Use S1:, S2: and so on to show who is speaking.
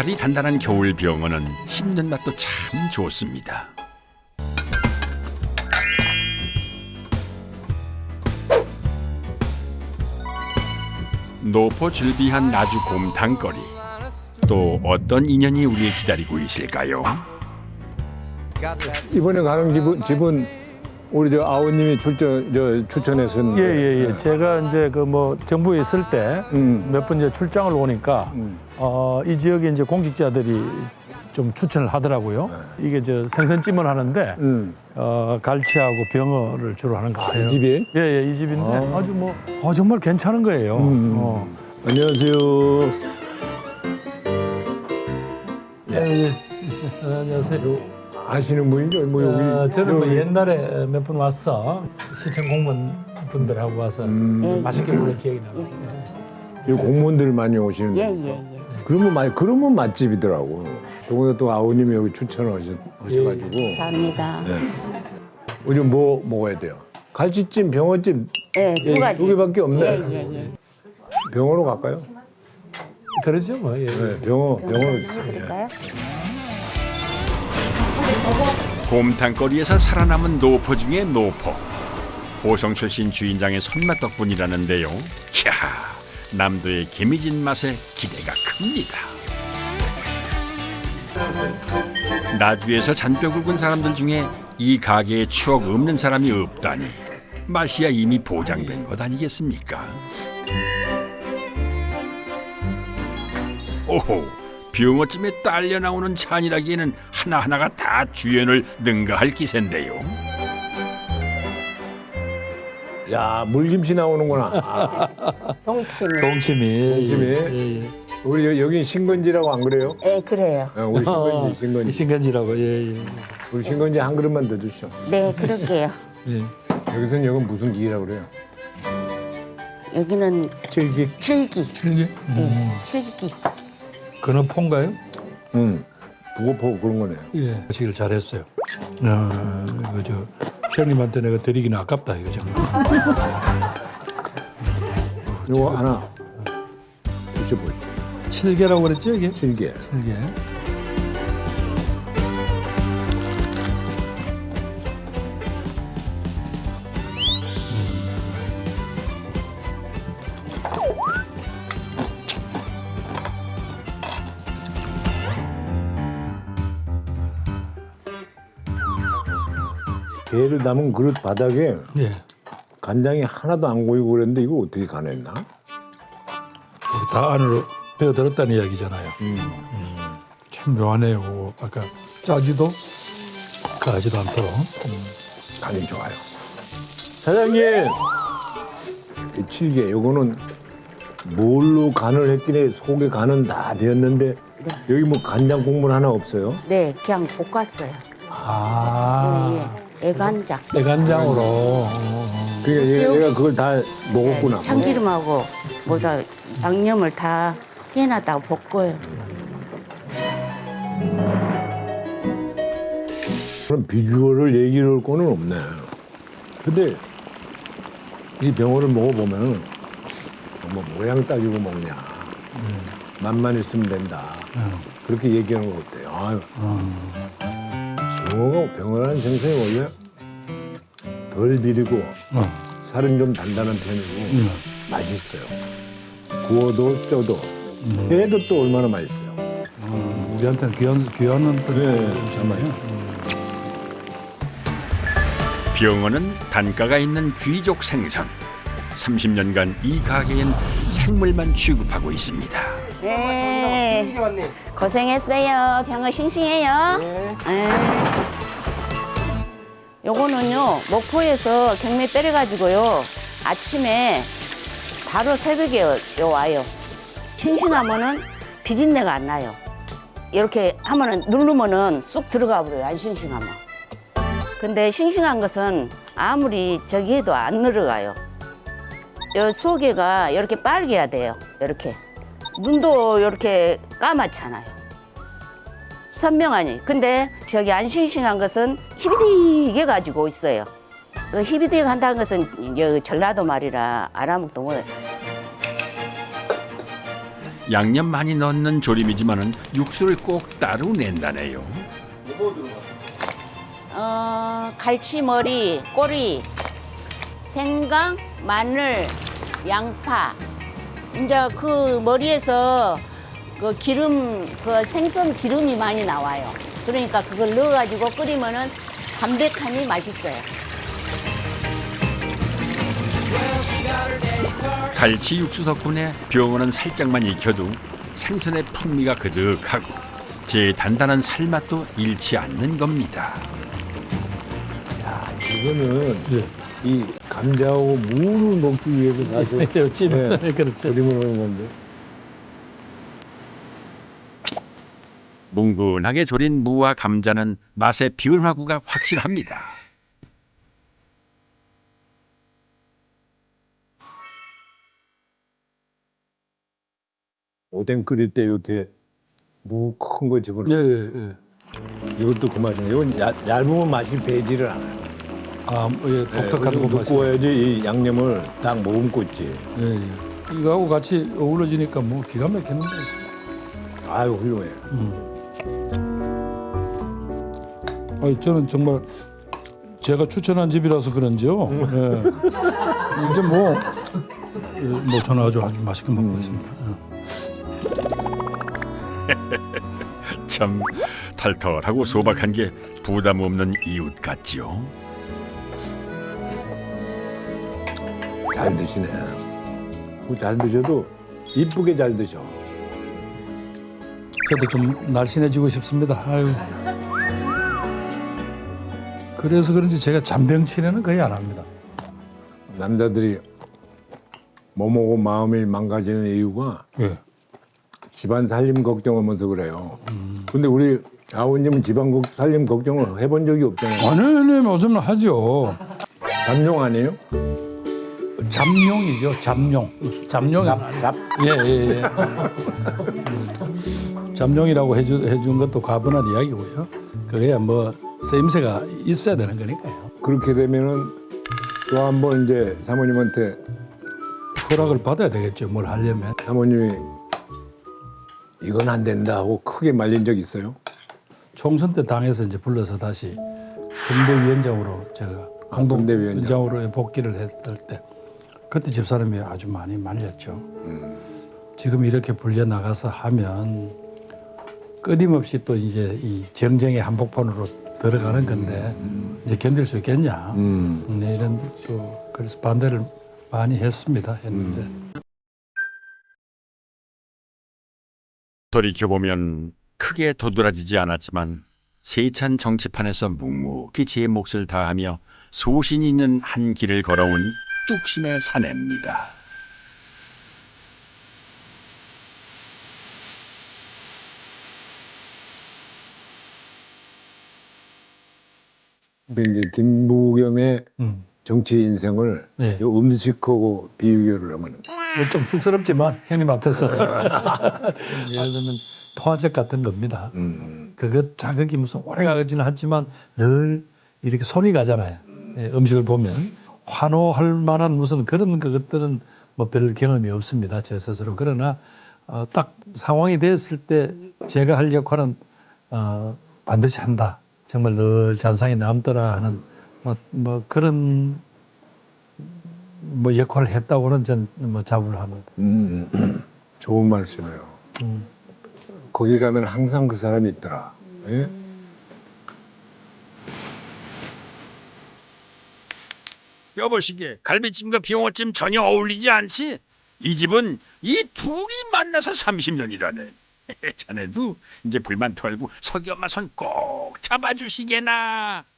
S1: 살이 단단한 겨울 병어는 씹는 맛도 참 좋습니다. 노포 즐비한 나주 곰탕거리. 또 어떤 인연이 우리를 기다리고 있을까요?
S2: 이번에 가는 집은 우리 저 아우님이 추천했었는데.
S3: 예. 제가 이제 그 뭐 정부에 있을 때 몇 번 이제 출장을 오니까 이 지역에 이제 공직자들이 좀 추천을 하더라고요. 이게 저 생선찜을 하는데 갈치하고 병어를 주로 하는 것 같아요.
S2: 이 집이?
S3: 예, 이 집인데 아주 뭐 정말 괜찮은 거예요.
S2: 안녕하세요.
S3: 안녕하세요.
S2: 아시는 분이죠? 뭐 여기.
S3: 저는 뭐 옛날에 몇 번 왔어. 시청 공무원 분들하고 와서 맛있게 먹은 기억이 나요.
S2: 여기 공무원들 많이 오시는데.
S4: 예.
S2: 그러면 맛집이더라고. 더군다나 또 아우님이 여기 추천하셔가지고.
S4: 감사합니다.
S2: 요즘 뭐 먹어야 돼요? 갈치찜, 병어찜
S4: 예, 두 가지.
S2: 두 개밖에 없네.
S4: 예.
S2: 병어로 갈까요?
S3: 그러죠 뭐. 예.
S2: 네, 병어로 주세요.
S4: 드릴까요?
S1: 곰탕거리에서 살아남은 노포 중의 노포. 보성 출신 주인장의 손맛 덕분이라는데요. 이야, 남도의 개미진 맛에 기대가 큽니다. 나주에서 잔뼈 굵은 사람들 중에 이 가게의 추억 없는 사람이 없다니 맛이야 이미 보장된 것 아니겠습니까? 오호, 병어찜에 딸려 나오는 찬이라기에는 하나하나가 다 주연을 능가할 기세인데요.
S2: 야, 물김치 나오는구나.
S4: 동치미.
S3: 동치미.
S2: 동치미. 우리 여기 신건지라고 안 그래요?
S4: 예, 그래요.
S2: 우리 신건지.
S3: 신간지라고. 예.
S2: 우리 신건지 한 그릇만 더 주시오.
S4: 네, 그럴게요.
S3: 예.
S2: 여기서는 여긴 무슨 기라고 그래요?
S4: 여기는
S2: 칠기.
S4: 칠기.
S3: 칠기?
S4: 예, 칠기.
S3: 그는 폰가요?
S2: 부고포 그런 거네요.
S3: 예. 하시길 잘했어요. 이거 저 형님한테 내가 드리기는 아깝다 이거 정말.
S2: 이거 하나 드셔보시죠.
S3: 칠개라고 그랬죠 이게?
S2: 칠개.
S3: 칠개.
S2: 게를 담은 그릇 바닥에
S3: 예.
S2: 간장이 하나도 안 고이고 그랬는데 이거 어떻게 가냈나?
S3: 여기 다 안으로 배어들었다는 이야기잖아요. 참 묘하네요. 그거. 아까 짜지도 가지도 않도록.
S2: 간이 좋아요. 사장님, 이 칠개 요거는 뭘로 간을 했긴 해. 속에 간은 다 배었는데 여기 뭐 간장 국물 하나 없어요?
S4: 네, 그냥 볶았어요.
S3: 아.
S4: 예. 애간장.
S3: 내간장으로.
S2: 그러니까 얘가 그걸 다 먹었구나.
S4: 네, 참기름하고 뭐다 양념을 다 해놨다가 볶아요.
S2: 그럼 비주얼을 얘기를 할 거는 없네. 근데 이 병어를 먹어보면 뭐 모양 따지고 먹냐. 맛만 있으면 된다. 그렇게 얘기하는 거 어때요? 아유. 병어라는 생선이 원래 덜 비리고 살은 좀 단단한 편이고 맛있어요. 구워도 쪄도 회도 또 얼마나 맛있어요.
S3: 우리한테는 귀한
S2: 음식이에요.
S1: 병어는 단가가 있는 귀족 생선. 30년간 이 가게엔 생물만 취급하고 있습니다.
S4: 네. 고생했어요. 병어 싱싱해요. 네. 요거는요, 목포에서 경매 때려가지고요, 아침에 바로 새벽에 와요. 싱싱하면은 비린내가 안 나요. 이렇게 하면은 누르면은 쑥 들어가 버려요, 안 싱싱하면. 근데 싱싱한 것은 아무리 저기 해도 안 들어가요. 요 속에가 이렇게 빨개야 돼요, 이렇게. 눈도 이렇게 까맣잖아요. 선명하니. 근데 저기 안 싱싱한 것은 희비디게 가지고 있어요. 그 희비디게 한다는 것은 전라도 말이라 알아먹도 못해요.
S1: 양념 많이 넣는 조림이지만은 육수를 꼭 따로 낸다네요.
S4: 갈치머리, 꼬리, 생강, 마늘, 양파. 이제 그 머리에서 그 기름, 그 생선 기름이 많이 나와요. 그러니까 그걸 넣어가지고 끓이면은 담백하니 맛있어요.
S1: 갈치 육수 덕분에 병어는 살짝만 익혀도 생선의 풍미가 그득하고 제 단단한 살맛도 잃지 않는 겁니다.
S2: 이거는
S3: 예.
S2: 이 감자하고 무를 먹기 위해서 사실
S3: 찜. 그렇죠.
S2: 조림을 하는 건데.
S1: 뭉근하게 졸인 무와 감자는 맛의 비율화구가 확실합니다.
S2: 오뎅 끓일 때 이렇게 무 큰 거 집어넣어.
S3: 예.
S2: 이것도 그 맛이에요. 이건 얇으면 맛이 배지를 않아요.
S3: 아, 예, 독특한 거 맛이.
S2: 구워야지 이 양념을 딱 머금고 있지.
S3: 예. 이거하고 같이 어우러지니까 뭐 기가 막히는데.
S2: 아유 훌륭해.
S3: 아니, 저는 정말 제가 추천한 집이라서 그런지요. 예. 이게 뭐 저는 아주 맛있게 먹고 있습니다. 예.
S1: 참 털털하고 소박한 게 부담 없는 이웃 같지요.
S2: 잘 드시네. 잘 드셔도 이쁘게 잘 드셔.
S3: 저도 좀 날씬해지고 싶습니다. 아유. 그래서 그런지 제가 잔병치레는 거의 안 합니다.
S2: 남자들이 몸하고 마음이 망가지는 이유가
S3: 예.
S2: 집안 살림 걱정하면서 그래요. 근데 우리 아버님은 집안 살림 걱정을 해본 적이 없잖아요.
S3: 아니, 요즘은 하죠.
S2: 잠룡 아니에요?
S3: 잠룡이죠, 잠룡. 잠룡이
S2: 잡.
S3: 예. 잠룡이라고 해준 것도 과분한 이야기고요. 그게 뭐 쓰임새가 있어야 되는 거니까요.
S2: 그렇게 되면은 또 한 번 이제 사모님한테
S3: 허락을 받아야 되겠죠, 뭘 하려면.
S2: 사모님이 이건 안 된다 하고 크게 말린 적 있어요?
S3: 총선 때 당에서 이제 불러서 다시 선대위원장으로 제가 공동위원장으로 복귀를 했을 때 그때 집사람이 아주 많이 말렸죠. 지금 이렇게 불려 나가서 하면 끊임없이 또 이제 이 정쟁의 한복판으로 들어가는 건데 이제 견딜 수 있겠냐. 네, 이런 또 그래서 반대를 많이 했는데.
S1: 돌이켜보면 크게 도드라지지 않았지만 세찬 정치판에서 묵묵히 제 몫을 다하며 소신 있는 한 길을 걸어온 뚝심의 사내입니다.
S2: 이제 김부겸의 정치 인생을
S3: 네.
S2: 요 음식하고 비교를 하면
S3: 좀 쑥스럽지만 형님 앞에서 예를 들면 토화적 같은 겁니다. 그것 자극이 무슨 오래 가지는 않지만 늘 이렇게 손이 가잖아요. 예, 음식을 보면 환호할 만한 무슨 그런 것들은 뭐 별 경험이 없습니다. 제 스스로. 그러나 딱 상황이 됐을 때 제가 할 역할은 반드시 한다. 정말 늘 잔상이 남더라 하는 뭐 그런 뭐 역할을 했다고는 전 뭐 자부를 합니다.
S2: 좋은 말씀이에요. 거기 가면 항상 그 사람이 있더라. 예?
S1: 여보시게 갈비찜과 빙어찜 전혀 어울리지 않지? 이 집은 이 둘이 만나서 30년이라네. 자네도 이제 불만 털고 석이 엄마 손 꼭 잡아주시게나.